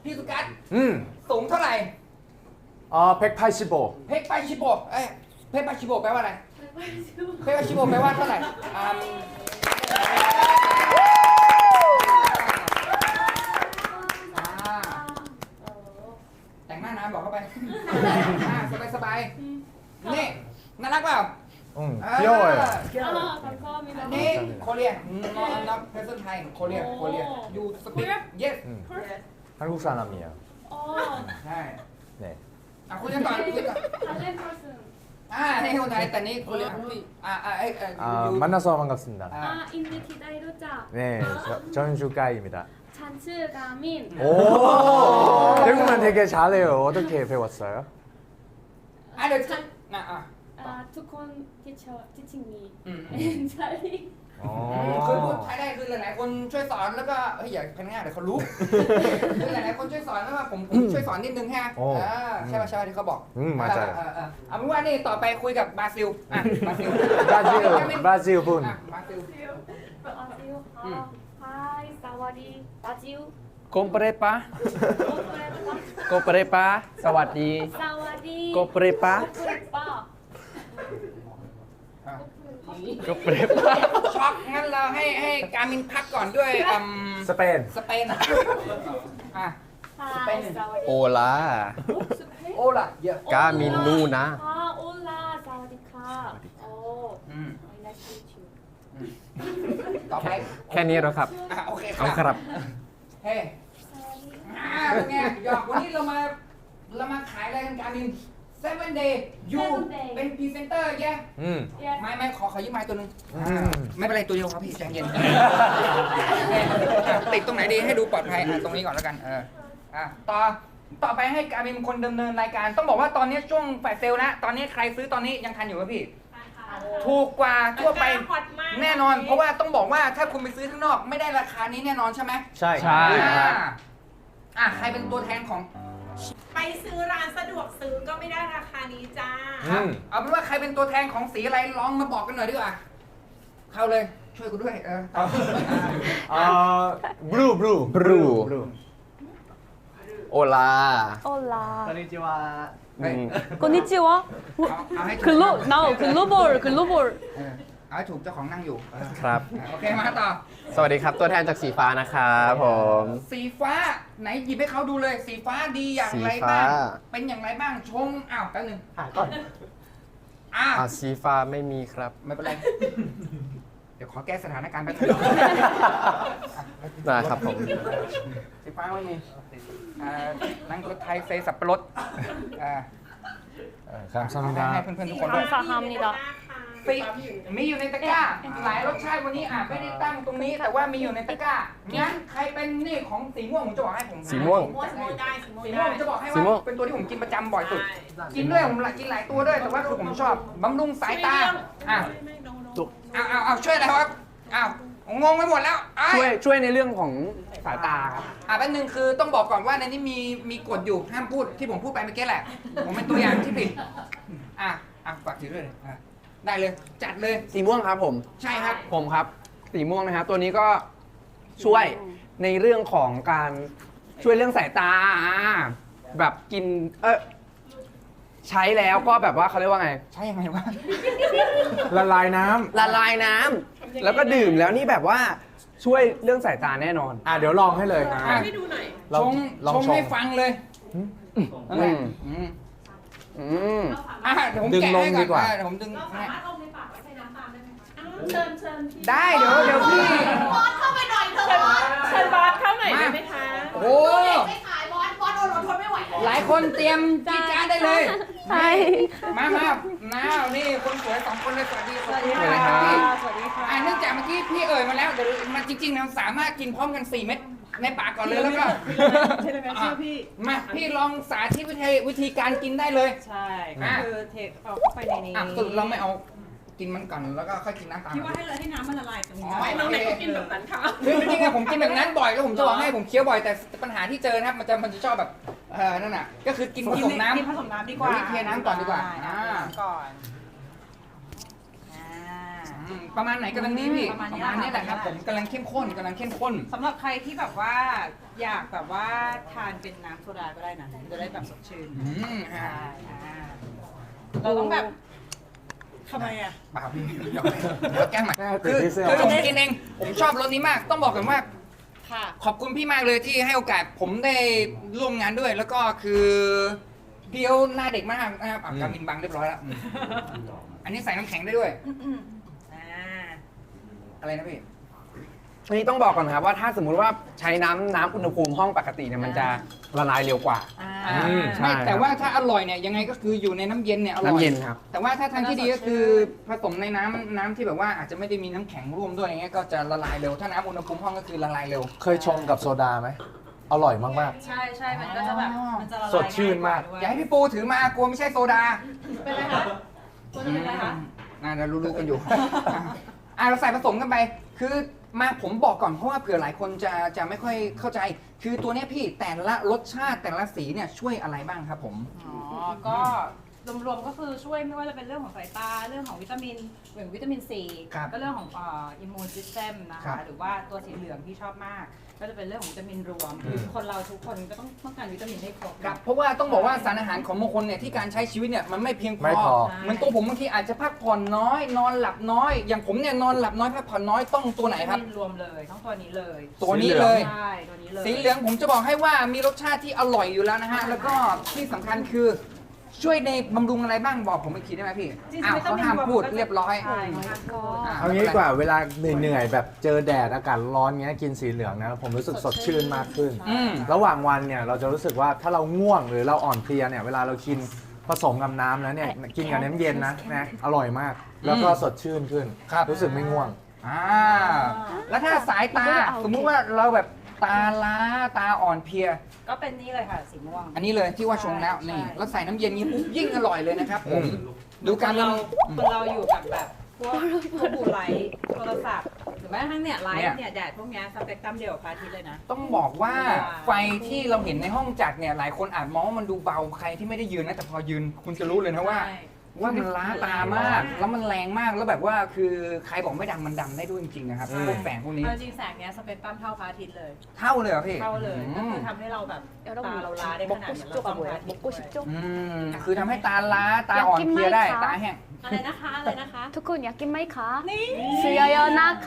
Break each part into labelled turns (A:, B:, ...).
A: พี่สุกัส
B: 음.
A: สูงเท่าไหร่
B: 185.
A: เพกปาชิโบเพกปาชิโบแปลว่าอะไรเพกปาชิโบแปลว่าเท่าไหร่แต่งหน้าน้ำบอกเข้าไปสบายๆนี่น่ารักเปล่า
B: 귀여워요.
A: นี่โคเรียนับเพรสไทยโคเรียยูสปีก yes
B: 한국 사람이에요.
A: ใช่
B: 네.
A: คุยกันก่อนนี่คนไทยแต่นี่โคเรีย
B: 만나서 반갑습니다.
C: 인디 기다리자.
B: 네, 전주가입니다.
C: 잔츠가민.
B: 오, 태국말 되게 잘해요. 어떻게 배웠어요?
A: เดี๋ยว
C: ทุกคนteaching me. ใช่
A: คือพูดไทยได้คือหลายๆคนช่วยสอนแล้วก็อย่าพันง่ายเดี๋ยวเขารู้คือหลายๆคนช่วยสอนแล้วว่าผมช่วยสอนนิดนึงฮะใช่ป่ะที่เขาบอกเอาเป็นว่านี่ต่อไปคุยกับบราซิล
B: 브라질 분.
A: บราซิล
C: Hi, sawadi, Brazil.
D: Komprepa โกเปเรปาสวัสดี
C: Sawadi.
D: โกเปเรปา
C: Korepa.
D: โกเปเรปา
A: ช็อกงั้นเราให้การมินพักก่อนด้วยสเปน
C: Hi, sawadi.
D: โอลา
A: โอล่ะเยอะ
D: กามินนูนะ
C: Hola, sawadika. Oh, nice to meet you.
A: ต่อไป
D: แค่นี้แล้วครับ
A: โอเค
D: เอาครับ
A: เฮ้เป็นไงหยอกวันนี้เรามาขายอะไรกันการมิน7 day ยูเป็นพรีเซนเตอร์แย่
C: Yes.
A: ไม่ขอยืมไม้ตัวนึงไม่เป็นไรตัวเดียวครับพี่ใจเย็นติดตรงไหนดีให้ดูปลอดภัยตรงนี้ก่อนแล้วกันต่อไปให้การเป็นคนดำเนินรายการต้องบอกว่าตอนนี้ช่วงแฟลชเซลนะตอนนี้ใครซื้อตอนนี้ยังทันอยู่ป่ะพี่ถูกกว่าทั่วไปแน่นอนเพราะว่าต้องบอกว่าถ้าคุณไปซื้อข้างนอกไม่ได้ราคานี้แน่นอนใช่ไหม
B: ใช่
D: ใช่
A: ใครเป็นตัวแทนของ
E: ไปซื้อร้านสะดวกซื้อก็ไม่ได้ราคานี้จ้า
A: เอาเป็นว่าใครเป็นตัวแทนของสีอะไรลองมาบอกกันหน่อยดีกว่าเข้าเลยช่วยกูด้วย
B: 블루.
D: โอลา
C: Hola.
A: เฮ้ย
C: konnichiwa.
A: เอาให้ถูก
C: now global.
A: เอาให้ถูกเจ้าของนั่งอยู่
D: ครับ
A: โอเคมาต่อ
D: สวัสดีครับตัวแทนจากสีฟ้านะครับผม
A: สีฟ้าไหนหยิบให้เขาดูเลยสีฟ้าดีอย่างไร
D: สีฟ้า
A: บ้างเป็นอย่างไรบ้างชงแป๊บนึงก่อน
D: สีฟ้าไม่มีครับ
A: ไม่เป็นไรเดี๋ยวขอแก้สถานการณ์แป๊บนึง
D: นะครับผม
A: สีฟ้าไม่มีนั่งรถไทยเซสับปะรดให้
B: 감사합니다.
A: เพื่อนๆทุกคนด้วย
C: 감사합니다.
A: สีมีอยู่ในตะกร้าหลายรสชาติวันนี้ไม่ได้ตั้งตรงนี้ แต่ว่ามีอยู่ในตะกร้างั้นใครเป็นนี่ของสีม่วงผมจะบอกให้ผม
D: สีม่วง
E: สีม่วงได้สีม่วง
A: สีม่
E: ได้
A: วงจะบอกให้
D: สีม่ว
A: ว่าง เป็นตัวที่ผมกินประจำบ่อยสุด กินด้วยผมกินหลายตัวด้วยแต่ว่าคือผมชอบบำรุงสายตาเอาช่วยอะไรครับงงไปหมดแล้ว
D: ช่วยในเรื่องของสายตาครับ
A: แป๊บนึงคือต้องบอกก่อนว่าในนี้มีกฎอยู่ห้ามพูดที่ผมพูดไปเมื่อกี้แหละ ผมเป็นตัวอย่างที่ผิดฝากถือด้วยเลยได้เลยจัดเลย
D: สีม่วงครับผม
A: ใช่ครับ
D: ผมครับ สีม่วงนะครับตัวนี้ก็ช่วยในเรื่องของการช่วยเรื่องสายตาแบบกินใช้แล้วก็แบบว่าเขาเรียกว่าไง
A: ใช่ยังไงวะ
B: ละลายน้
D: ละลายน้ำแล้วก็ดื่มแล้วนี่แบบว่าช่วยเรื่องสายตาแน่นอน
B: ำเดี๋ยวลองให้เลย
E: ให้ดูหน่อย
B: ลอง
A: ชงให้ฟังเลย
D: อืม
A: เดี๋ยวผม
B: ดึง
A: แกะ
B: ลง
A: ให้
B: ดีก
A: ก่อ
B: ว่า
A: นเดี๋ยวผมดึง
E: เราสามารถอมในปากไว้ใช้น้ำตามได้ไหมคะ
C: เชิญพี่
A: ได้เดี๋ยวพี่
E: บอสเข้าไปหน่อยเถอะบอส
C: เชิญบอสเข้าหน่อยได้ไหมคะ
A: โอ้
E: ไม่ขายบอสอดทนไม่ไหว
A: หลายคนเตรียมจีจ้าได้เลย
C: ใช่
A: มานี่คนสวยสองคนเลยสวัสดี
C: สวัสดี
A: ค
C: ค่ะ
A: รับพี่
C: สวัสดีค่ะ
A: เนื่องจากเมื่อกี้พี่มาแล้วเดี๋ยวมันจริงๆเราสามารถกินพร้อมกัน4 เม็ดในปากก่อนเลยแล้วก็
F: ใช่ไหมชื่อพี่
A: มาพี่ลองสาธิตวิธีการกินได้เลย
F: ใช่ก็คือเทเอาเข้าไปในนี้
A: สรุปเราไม่เอากินมันก่อนแล้วก็ค่อยกินน้ำตาม
F: คิดว่าให้เลยให้น้ำมันละลายตรงนี้
A: อ๋อ
E: น้องไหนก็กินแบบนั้นค่ะ
A: คือจริงๆผมกินแบบนั้นบ่อยแล้วผมจะบอกให้ผมเคี้ยวบ่อยแต่ปัญหาที่เจอนะครับมันจะชอบแบบนั่นน่ะก็คือกินผสมน้ำ
F: กินผสมน้ำดีกว่า
A: เทน้ำก่อนดีกว่า
F: ก่อน
A: ประมาณไหนกำลังดีพี่
F: ประมาณ
A: ประ
F: นี้
A: มาณนี้แหละครับ
F: ค่ะ
A: ผมกำลังเข้มข้นกำลังเข้มข้น
F: สำหรับใครที่แบบว่าอยากแบบว่าทานเป็นน้ำโซดาก็ได้นะจะได้แบบสดชื่น
A: อ่า
F: เราต้องแบบทำไมอ่ะ
A: เปล่าพี่เดี๋ยวแกล้งใหม่
B: แม่ติ
A: คื
B: ด
A: อ
B: ที่เสื้อ
A: คือผมกินเองผมชอบรสนี้มาก ต้องบอกกันว่า
F: ค่ะ
A: ขอบคุณพี่มากเลยที่ให้โอกาสผมได้ร่วมงานด้วย แล้วก็คือพี่เขาหน้าเด็กมากนะครับการมินบังเรียบร้อยแล้วอันนี้ใส่น้ำแข็งได้ด้วย
F: อ่า
A: อะไรนะพี่
D: อันนี้ต้องบอกก่อนนะครับว่าถ้าสมมุติว่าใช้น้ำอุณหภูมิห้องปกติเนี่ยมันจะละลายเร็วกว่า ใช่
A: ไม่แต่
D: ครับ
A: ว่าถ้าอร่อยเนี่ยยังไงก็คืออยู่ในน้ำเย็นเนี่ยอร่อย
D: น้ำเย็นครับ
A: แต่ว่าถ้าทางที่ดีก็คือผสมในน้ำที่แบบว่าอาจจะไม่ได้มีน้ำแข็งร่วมด้วยอย่างเงี้ยก็จะละลายเร็วถ้าน้ำอุณหภูมิห้องก็คือละลายเร็ว
B: เคยชงกับโซดาไหมอร่อยมาก
F: ใช่ใช่มันก็จะแบบมันจะละลาย
B: สดชื่นมาก
F: ด้วย
A: อย่าให้พี่ปูถือมากลัวไม่ใช่โซดา
F: เป็นไรคะตัวจะเป็นไรคะ
A: น่าจะรู้ๆกันอยู่ เราใส่ผสมกันไป คือมาผมบอกก่อนเพราะว่าเผื่อหลายคนจะไม่ค่อยเข้าใจ คือตัวเนี้ยพี่แต่ละรสชาติแต่ละสีเนี่ยช่วยอะไรบ้างครับผม
F: อ๋อ ก็รวมๆก็คือช่วยไม่ว่าจะเป็นเรื่องของสายตา เรื่องของวิตามินอย่างวิตามินซี
A: ครับ
F: ก็เรื่องของอิมมูนซิสเต็มนะ
A: ครั
F: คะ
A: บ
F: หรือว่าตัวสีเหลืองที่ชอบมาก ก็จะเป็นเรื่องของวิตามินรวมคือคนเราทุกคนก็ต้องการวิตามินให้ครบ
A: ครับเพราะว่าต้องบอกว่าสารอาหารของบางคนเนี่ยที่การใช้ชีวิตเนี่ยมันไม่เพียงพ
B: ไม่
A: อ
B: พอ
A: เหมือนตัวผมบางทีอาจจะพักผ่อนน้อย นอนหลับน้อย อย่างผมเนี่ยนอนหลับน้อยพักผ่อนน้อยต้องตัวไหนครับ
F: วิตามินรวมเลยต้องตัวนี้เลย
A: ตัวนี้เลย
F: ใช่ตัวนี้เลย
A: สีเหลืองผมจะบอกให้ว่ามีรสชาติที่อร่อยอยู่แล้วนะฮะ แล้วก็ที่สำคัญคือช่วยในบำรุงอะไรบ้างบอกผมอีกทีได้ไหมพี่
F: จริงๆ
A: อ้าว
F: วิต
A: เขา
F: มิน
A: ห้าม
F: ว
A: พูด
F: ก็จะ
A: เรียบร้อย
F: ใช่ห้ามพูด
A: อ่า
B: เอางี้ดีกว่าเวลาเหนื่อยๆแบบเจอแดดอากาศร้อนเงี้ยกินสีเหลืองนะผมรู้สึกสดชื่นมากขึ้น
A: อืม
B: ระหว่างวันเนี่ยเราจะรู้สึกว่าถ้าเราง่วงหรือเราอ่อนเพลียเนี่ยเวลาเรากินผสมกับน้ำแล้วเนี่ยกินกับน้ำเย็นนะอร่อยมาก แล้วก็สดชื่นขึ้น รู้สึกไม่ง่วง
A: อ่าแล้วถ้าสายตา สมมุติว่าเราแบบตาล้าตาอ่อนเพลีย
F: ก็เป็นนี่เลยค่ะสีม่วง
A: อันนี้เลยที่ว่าชงแล้วนี่
F: ใช่
A: แล้วใส่น้ำเย็นนี้ปุ๊บยิ่งอร่อยเลยนะครับผม
B: อืม
A: ดูการ
F: คนเราอยู่กับแบบพวกบูไลท์โทรศัพท์หรือแม้กระทั่งเนี่ยไลท์เนี่ยแดดพวกเนี้ยสเปกตรัมเดียวกับพระอาทิตย์เลยนะ
A: ต้องบอกว่าไฟที่เราเห็นในห้องจัดเนี่ยหลายคนอาจมองว่ามันดูเบาใครที่ไม่ได้ยืนนะแต่พอยืนคุณจะรู้เลยนะว่า
F: ใช่
A: ว่ามันล้าตามาก แล้วมันแรงมากแล้วแบบว่าคือใครบอกไม่ดำมันดำได้ด้วยจริงๆนะครับพวกแสงพวกนี้
F: เอาจริงแสงเนี้ยสเปกตรัมเท่าพระอาทิตย์เลย
A: เท่าเลยเหรอพี่
F: เท่าเลย
A: อื
F: ก็
A: ม
F: คือทำให้เราแบบตาเราล้าได้ขนาด
C: 먹고
F: เหมือน
C: 싶죠
F: เรา
C: 가
F: ต้องพระ
C: 뭐야?
F: อาทิตย์
C: 먹고 싶죠?
A: คือทำให้ตาล้าตาอ่อนเพลียได้ตาแห้ง
F: อะไรนะคะอะไรนะคะ
C: 두콘 야낀 마이카. 수여요 나카.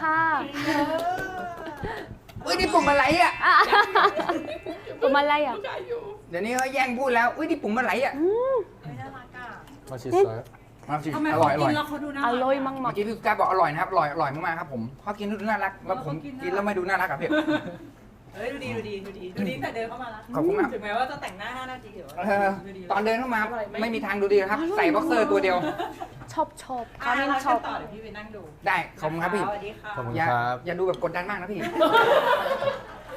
A: อุ้ยนี่ปุ่มอะไรอ่ะ
C: 또 말라야.
A: เดี๋ยวนี้เขาแย่งพูดแล้วอุ้ยนี่ปุ่มอะไรอ่ะ
F: ไม่น่ารักอ่ะ
B: มาชิซอย
A: มาสิ
F: ทำไม
A: อ
F: เขา
A: ร่อยอ
F: กิ
A: ร่อย
F: นแล้วเขาดูน่ารัก
C: 알로이
A: เมื่อ
C: 막막.
A: กี้พี่กาบอกอร่อยนะครับอร่อยมากๆครับผมพอกินแล้วดูน่ารักแล้วผมกินแล้วไม่ดูน่ารักกับพี่
F: เฮ้ยดูดีแต่เดินเข้ามาแล้ว
A: ขอบคุณมาก
F: ถึงแม้ว่าจะแต่งหน้า5 นาทีหรือว่า
A: เออตอนเดินเข้ามาไม่มีทางดูดีครับ ใส่บ็อกเซอร์ตัวเดียว
C: 첩첩.
F: เรา
C: 가민
F: เชิญ
C: 첩.
F: ต่อเดี๋ยวพี่ไปนั่งดู
A: ได้ขอบคุณครับพี่
F: สวัสดีค่ะ
B: ขอบคุณ
A: อย่า
B: ครับ
A: อย่าดูแบบกดดันมากนะพี่